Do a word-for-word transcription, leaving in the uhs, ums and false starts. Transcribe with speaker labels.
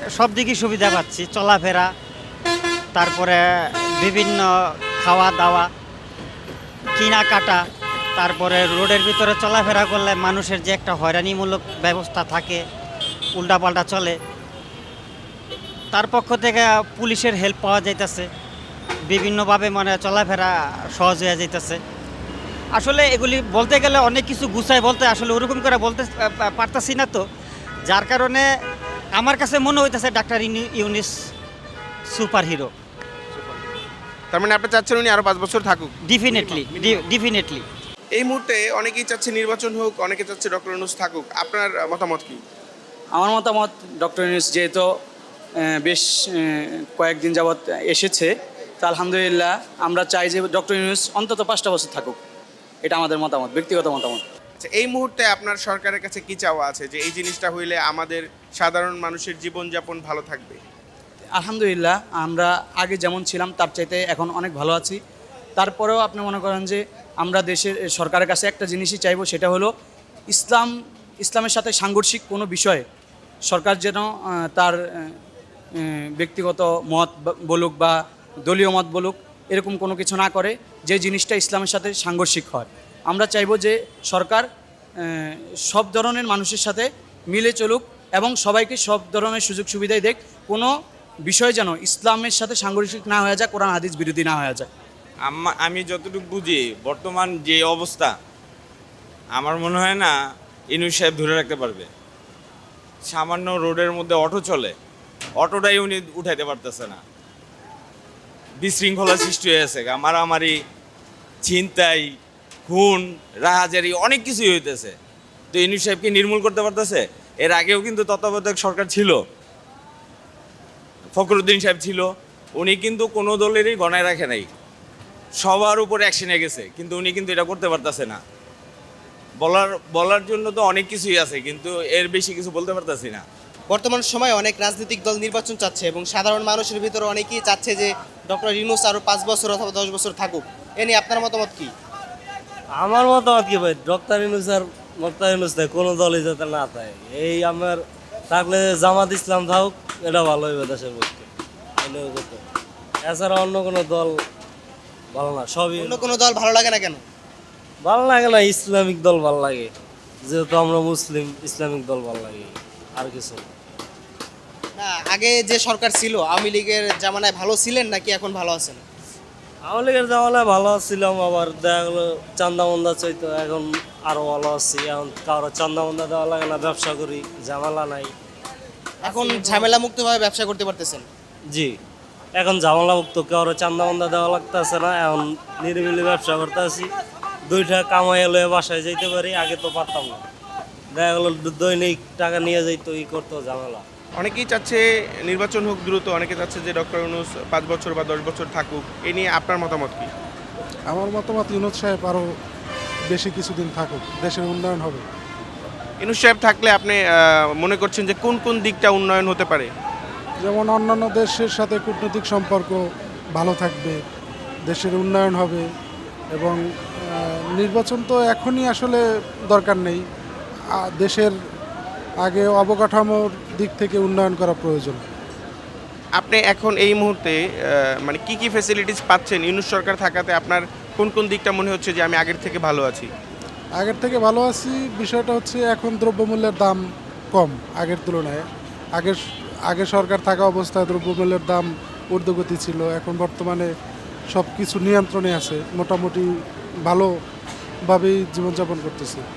Speaker 1: সব দিকেই সুবিধা পাচ্ছি, চলাফেরা, তারপরে বিভিন্ন খাওয়া দাওয়া, কেনাকাটা, তারপরে রোডের ভিতরে চলাফেরা করলে মানুষের যে একটা হয়রানিমূলক ব্যবস্থা থাকে, উল্টাপাল্টা চলে, তার পক্ষ থেকে পুলিশের হেল্প পাওয়া যাইতেছে, বিভিন্নভাবে মানে চলাফেরা সহজ হয়ে যাইতেছে। আসলে এগুলি বলতে গেলে অনেক কিছু গুছায় বলতে আসলে ওরকম করে বলতে পা- পারতাছি না, তো যার কারণে আমার কাছে মনে হইতেছে ডাক্তার ইউনিস সুপার হিরো।
Speaker 2: তার মানে আপনি চাচ্ছেন উনি আরো পাঁচ বছর থাকুক?
Speaker 1: Definitely, definitely.
Speaker 2: এই মুহূর্তে অনেকেই চাচ্ছে নির্বাচন হোক, অনেকে চাচ্ছে ডক্টর ইউনূস থাকুক, আপনার মতামত কি?
Speaker 3: আমার মতামত ডক্টর ইউনূস যেহেতু আহ, বেশ আহ, কয়েকদিন যাবৎ এসেছে, তা আলহামদুলিল্লাহ আমরা চাই যে ডক্টর ইউনূস অন্তত পাঁচটা বছর থাকুক। এটা আমাদের মতামত, ব্যক্তিগত মতামত।
Speaker 2: আচ্ছা, এই মুহূর্তে আপনার সরকারের কাছে কি চাওয়া আছে যে এই জিনিসটা হইলে আমাদের সাধারণ মানুষের জীবনযাপন ভালো থাকবে?
Speaker 3: আলহামদুলিল্লাহ আমরা আগে যেমন ছিলাম তার চাইতে এখন অনেক ভালো আছি। তারপরেও আপনি মনে করেন যে আমরা দেশের সরকারের কাছে একটা জিনিসই চাইবো, সেটা হলো ইসলাম ইসলামের সাথে সাংঘর্ষিক কোনো বিষয়ে সরকার যেন আহ, তার আহ, আহ, ব্যক্তিগত মত বা- বলুক বা দলীয় মত বলুক, এরকম কোনো কিছু না করে যে জিনিসটা ইসলামের সাথে সাংঘর্ষিক হয়। আমরা চাইবো যে সরকার আহ, সব ধরনের মানুষের সাথে মিলে চলুক এবং সবাইকে সব ধরনের সুযোগ সুবিধাই দেখ, কোনো বিষয় যেন ইসলামের সাথে সাংঘর্ষিক না হয়ে যায়, কোরআন হাদিস বিরোধী না হয়ে যায়।
Speaker 4: আম্মা- আমি যতটুকু বুঝি বর্তমান যে অবস্থা, আমার মনে হয় না ইউনূস সাহেব ধরে রাখতে পারবে। সামান্য রোডের মধ্যে অটো চলে, অটোটাই উনি উঠাইতে পারতেছে না। বিশৃঙ্খলা সৃষ্টি হয়েছে, মারামারি, ছিনতাই, খুন, রাহাজারি, অনেক কিছুই হইতেছে। তো ইউনূস সাহেবকে নির্মূল করতে পারতেছে? এর আগেও কিন্তু তত্ত্বাবধায়ক সরকার ছিল, ফখরুদ্দিন সাহেব ছিল, উনি কিন্তু কোনো দলেরই গণায় রাখে নাই, সবার উপরে অ্যাকশনে গেছে, কিন্তু উনি কিন্তু এটা করতে পারতেছে না। বলার বলার জন্য তো অনেক কিছুই আছে, কিন্তু এর বেশি কিছু বলতে পারতেছি না।
Speaker 5: বর্তমান সময়ে অনেক রাজনৈতিক দল নির্বাচন চাচ্ছে এবং সাধারণ মানুষের ভিতরে অনেকেই চাচ্ছে যে ডক্টর ইউনূস আরও পাঁচ বছর অথবা দশ বছর থাকুক। এ নিয়ে আপনার মতামত কি?
Speaker 6: আমার মতামত কি ভাই, ডক্টর ইউনূস আর ডক্টর ইউনূস নেই, কোনো দলই যাতে না থাকে। এই আমার থাকলে জামাত ইসলাম থাকুক, এটা ভালো হইবে দেশের পক্ষে। এটাই করতে। এছাড়া অন্য কোনো দল ভালো না, সবই
Speaker 5: অন্য কোনো দল ভালো লাগে না কেন?
Speaker 6: ভালো লাগে না। ইসলামিক দল ভালো লাগে, যেহেতু আমরা মুসলিম, ইসলামিক দল ভালো লাগে, আর কিছু না।
Speaker 5: না, আগে যে সরকার ছিল আওয়ামী লীগের জামানায় ভালো ছিলেন নাকি এখন ভালো আছেন?
Speaker 6: আওয়ামী লীগের জামানায় ভালো ছিলাম, আবার দেখা গেলো চান্দা মন্দা চাইতো, এখন আরো ভালো আছি। এখন কারো চান্দা মন্দা দেওয়া লাগে না, ব্যবসা করি, ঝামেলা নাই।
Speaker 5: এখন ঝামেলা মুক্তভাবে ব্যবসা করতে পারতেছেন?
Speaker 6: জি, এখন ঝামেলা মুক্ত, কারো চান্দা মন্দা দেওয়া লাগতেছে না, এখন নিরিবিলি ব্যবসা করতে আছি। দুইটা কামাই লয়ে বাসায় যাইতে পারি, আগে তো পারতাম না। দেখা গেলো দৈনিক টাকা নিয়ে যাইতো, ই করতো, ঝামেলা।
Speaker 2: অনেকেই চাচ্ছে নির্বাচন হোক দ্রুত, অনেকে চাচ্ছে যে ডক্টর ইউনূস পাঁচ বছর বা দশ বছর থাকুক। এ নিয়ে আপনার মতামত কি?
Speaker 7: আমার মতামত ইউনূস সাহেব আরও বেশি কিছুদিন থাকুক, দেশের উন্নয়ন হবে।
Speaker 2: ইউনূস সাহেব থাকলে আপনি আহ, মনে করছেন যে কোন কোন দিকটা উন্নয়ন হতে পারে?
Speaker 7: যেমন অন্যান্য দেশের সাথে কূটনৈতিক সম্পর্ক ভালো থাকবে, দেশের উন্নয়ন হবে এবং আহ, নির্বাচন তো এখনই আসলে দরকার নেই। আ- দেশের আগে অবকাঠামোর দিক থেকে উন্নয়ন করা প্রয়োজন।
Speaker 2: আপনি এখন এই মুহূর্তে আহ, মানে কি কি ফ্যাসিলিটিস পাচ্ছেন ইউনূস সরকার থাকাতে? আপনার কোন কোন দিকটা মনে হচ্ছে যে আমি আগের থেকে ভালো আছি?
Speaker 7: আগের থেকে ভালো আছি বিষয়টা হচ্ছে এখন দ্রব্যমূল্যের দাম কম আগের তুলনায়। আগের আগে সরকার থাকা অবস্থায় দ্রব্যমূল্যের দাম ঊর্ধ্বগতি ছিল, এখন বর্তমানে সব কিছু নিয়ন্ত্রণে আছে, মোটামুটি ভালোভাবেই জীবনযাপন করতেছে।